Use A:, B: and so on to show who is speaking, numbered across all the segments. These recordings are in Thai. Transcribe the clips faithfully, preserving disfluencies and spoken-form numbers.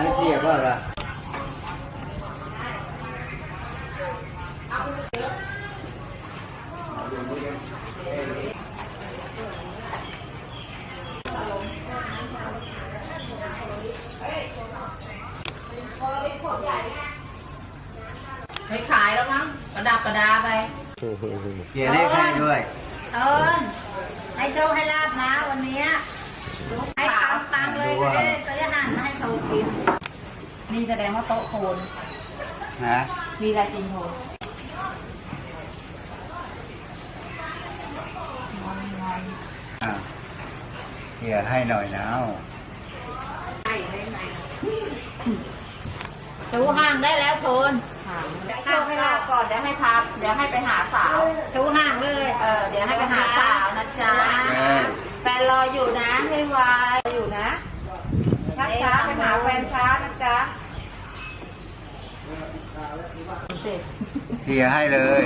A: ไม่เทียบว่าละ
B: ไม่ขายแล้วมั้งกระดับกระดาไป
A: เกียร์เลขให้ด้วย
B: เอิญให้โชคให้ลาบนะวันนี้ให้ปังปังเลยจะได้จะได้หั่นให้โชว์กินนี่แสดงว่าโต๊ะโคน
A: ฮะ
B: มีอะไรกินโคน
A: เกียร์ให้หน่อยนะ
B: ชูห่างได้แล้วโทนโชคให้ลาบก่อนเดี๋ยวให้พาเดี๋ยวให้ไปหาสาวชูห่างเลยเออเดี๋ยวให้ไปหาสาวนะจ๊ะแฟนรออยู่นะให้ไวอยู่นะช้าช้าไปหาแฟนช้านะจ๊ะ
A: เกียร์ให้เลย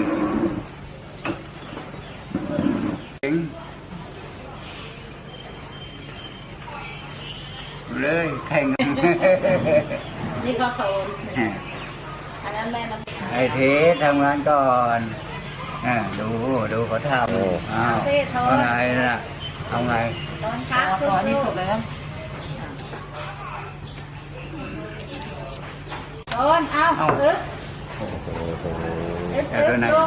A: เลยแข่ง
B: นี่ก็โตอันนั้นแม่น้ำ
A: ไอ้เทสทำงานก่อนอ่าดูดูเขาทำอ้าวเอาไงน่ะเอาไง
B: ตอนครับตอนนี้สุดแล้วตอนเอาอึ๊บอึ๊บอึ๊บดู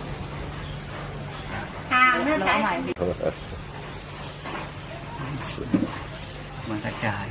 B: ทางเนื้อใช่
A: มันกระจาย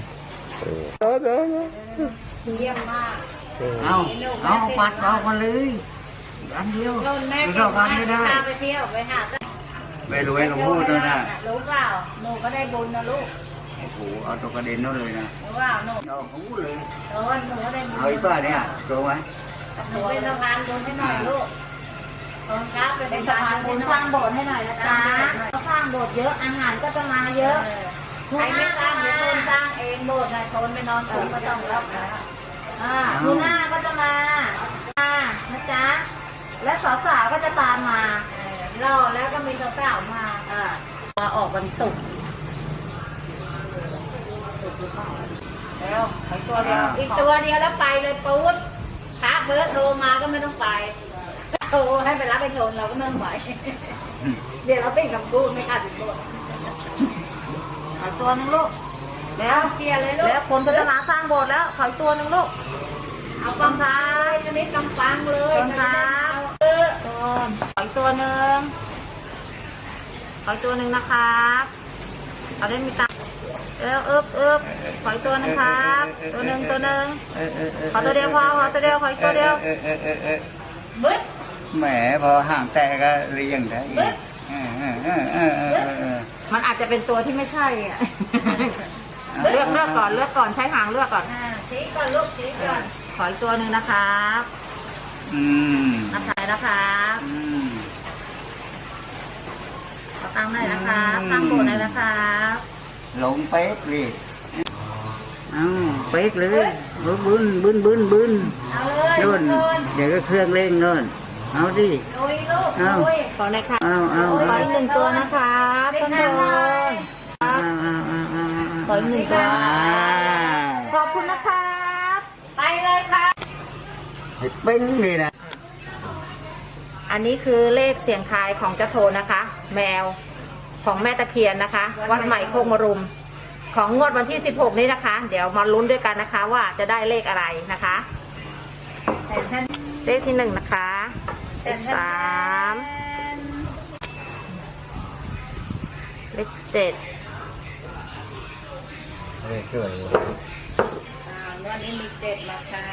B: เยี่ยมมาก
A: เอาเอาปัดออกมาเลยอันเดียวไม่ต้องกันไม่ได้
B: ไปเที่ยวไปหา
A: ไม่รวยกับพูดด้วยนะ
B: รู้เปล่าหนูก็ได้บุญนะลูก
A: โอ้โหเอาตัวกระเด็นนั่นเลยนะ
B: รู้เปล่าหนู
A: เอาพูดเลย
B: เออหนูก็ได้บุญ
A: เอาอีกป้าเนี่ยตัวไหม
B: หนูเป็นสะพานบุญให้หน่อยลูกตอนครับเป็นสะพานบุญสร้างโบสถ์ให้หน่อยนะจ๊ะสร้างโบสถ์เยอะอาหารก็จะมาเยอะใครไม่สร้างเดี๋ยวคนสร้างเองโบสถ์นายคนไม่นอนตื่นก็ต้องรับนะอ่าทูน่าก็จะมาอ่านะจ๊ะและสาวๆก็จะตามมารอแล้วก็มีสาวๆมาอ่ามาออกวันศุกร์แล้วอีกตัวเดียวอีกตัวเดียวแล้วไปเลยปุ๊บถ้าเบอร์โทรมาก็ไม่ต้องไปโทรให้ไปรับไปชนเราก็ไม่ต้องไปเดี๋ยวเราเป็นคำพูดไม่ขาดตัวตัวนึงลูกแล้วเกียร์เลยลูกแล้วคนก็จะมาสร้างโบสถ์แล้วขอตัวนึงลูกเอากำซ้ายจะนี้กำปังเลยกำซ้ายเออขอตัวนึงขอตัวนึงนะครับเอาได้มีตังเออเอิบเอิบขอตัวนึงครับตัวนึงตัวนึงขอตัวเดียวพอขอตัวเดียวขอตัวเดียวบึ๊ด
A: แหมพอห่างแต่ก็เรียงได้
B: มันอาจจะเป็นตัวที่ไม่ใช่อ่ะเลือกเลือกก่อนเลือกก่อนใช้หางเลือกก่อนชี้ก่อนลูกชี้ก่อนขออีกตัวหนึ่งนะครับ
A: อืม
B: นะคะนะครับ
A: อืม
B: ขอตั้งหน่อยนะครับตั้งโบนหน่อยนะครับ
A: ลงเป๊กเลยเอ้าเป๊กเลยบึ้นบึ้นบึ้นบึ้นบึ้นนู่นเดี๋ยวก็เครื่องเร่งนู่นเอาดิ
B: ลุยลูกลุยขอหน่อยค่ะ
A: เอาเอา
B: ขออีกหนึ่งตัวนะคะต้นโดนขออีกหนึ่งตัวขอบคุณนะครับไปเลยค่ะ
A: เป็นนี่นะ
B: อันนี้คือเลขเสียงทายของเจ้าโทนนะคะแมวของแม่ตะเคียนนะคะวัดใหม่โคกมรุมของงวดวันที่สิบหกนี้นะคะเดี๋ยวมาลุ้นด้วยกันนะคะว่าจะได้เลขอะไรนะคะเลขที่หนึ่งนะคะเลขสามเลขเจ็ด
A: เลขเกิด
B: วันนี้มีเจ็ดนะคะ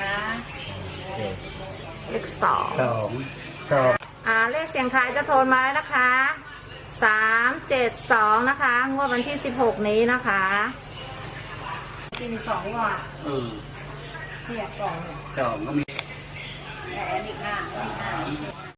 B: เลขสอง
A: สองสอง
B: อ่าเลขเสียงทายจะโทนมาแล้วนะคะสามเจ็ดสองนะคะงวดวันที่สิบหกนี้นะคะที่มีสองว่า
A: เออ
B: เนี่ยสอง
A: สองก็มี
B: แต่อันนี้ห้าอันนี้ห้า